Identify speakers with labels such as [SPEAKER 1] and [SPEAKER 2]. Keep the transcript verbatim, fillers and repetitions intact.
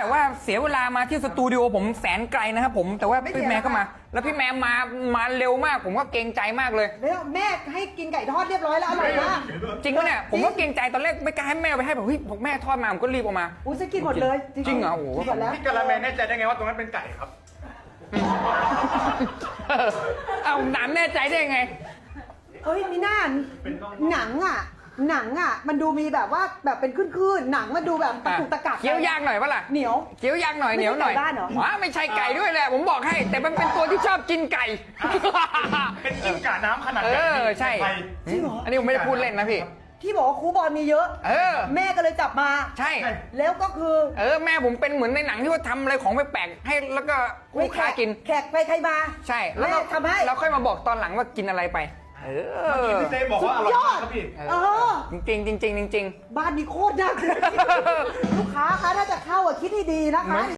[SPEAKER 1] แบบว่าเสียเวลามาที่สตูดิโอผมแสนไกลนะครับผมแต่ว่าพี่แม่ก็มา แล้วพี่แม่มามาเร็วมากผมก็เกรงใจมากเลย
[SPEAKER 2] แล้วแม่ให้กินไก่ทอดเรียบร้อยแล้วอร่อยมาก
[SPEAKER 1] จริงปะเนี่ยผมก็เกรงใจตอนแรกไม่กล้าให้แม่ไปให้แบบเฮ้ยบอกแม่ทอดมาผมก็รีบออกมา
[SPEAKER 2] อุ้ยจะกินหมดเลย
[SPEAKER 1] จริงเหรอโอ้โห
[SPEAKER 2] กินหมดแล้ว
[SPEAKER 3] พี่กะละแมแน่ใจได้ไงว่าตรงนั้นเป็นไก่ครับ
[SPEAKER 1] เอาหนามแน่ใจได้ไง
[SPEAKER 2] เฮ้ยมีหน้าหนังอ่ะหนังอ่ะมันดูมีแบบว่าแบบเป็นขึ้นๆหนังมันดูแบบตะกุกตะกัก
[SPEAKER 1] เคี้ยวยากหน่อยปะล่ะ
[SPEAKER 2] เหนียว
[SPEAKER 1] เคี้ยวยากหน่อยเหนียวหน่อย
[SPEAKER 2] ไม่ใช่ไก่บ้านเหรอ
[SPEAKER 1] ว้าไม่ใช่ไก่ด้วยแหละผมบอกให้ แต่มันเป็นตัวที่ชอบกินไก่
[SPEAKER 3] เป็นกิ้งก่าน้ำขนาด
[SPEAKER 1] เอ
[SPEAKER 3] ใหญ่
[SPEAKER 1] อใช่
[SPEAKER 3] ไทย
[SPEAKER 2] จริงเหรอ
[SPEAKER 1] อันนี้ผมไม่ได้พูดเล่นนะพี่
[SPEAKER 2] ที่บอกว่าครูบอลมีเยอะ
[SPEAKER 1] เออ
[SPEAKER 2] แม่ก็เลยจับมา
[SPEAKER 1] ใช่
[SPEAKER 2] แล้วก็คือ
[SPEAKER 1] เออแม่ผมเป็นเหมือนในหนังที่ว่าทำอะไรของแปลกๆให้แล้วก็ลูกค้ากิน
[SPEAKER 2] แขกไปใครมา
[SPEAKER 1] ใช่แล้ว
[SPEAKER 2] แม่
[SPEAKER 1] ก็
[SPEAKER 2] ทำให้
[SPEAKER 1] เราค่อยมาบอกตอนหลังว่ากินอะไรไป เออ
[SPEAKER 3] พี่เต้บอกว่าอร่อยมากครับพี่
[SPEAKER 2] เออ
[SPEAKER 1] จริงๆจริงๆจริงๆ
[SPEAKER 2] บ้านนี้โคตรน่ากินลูกค้าคะถ้าจะเข้าอะคิดให้ดีนะคะ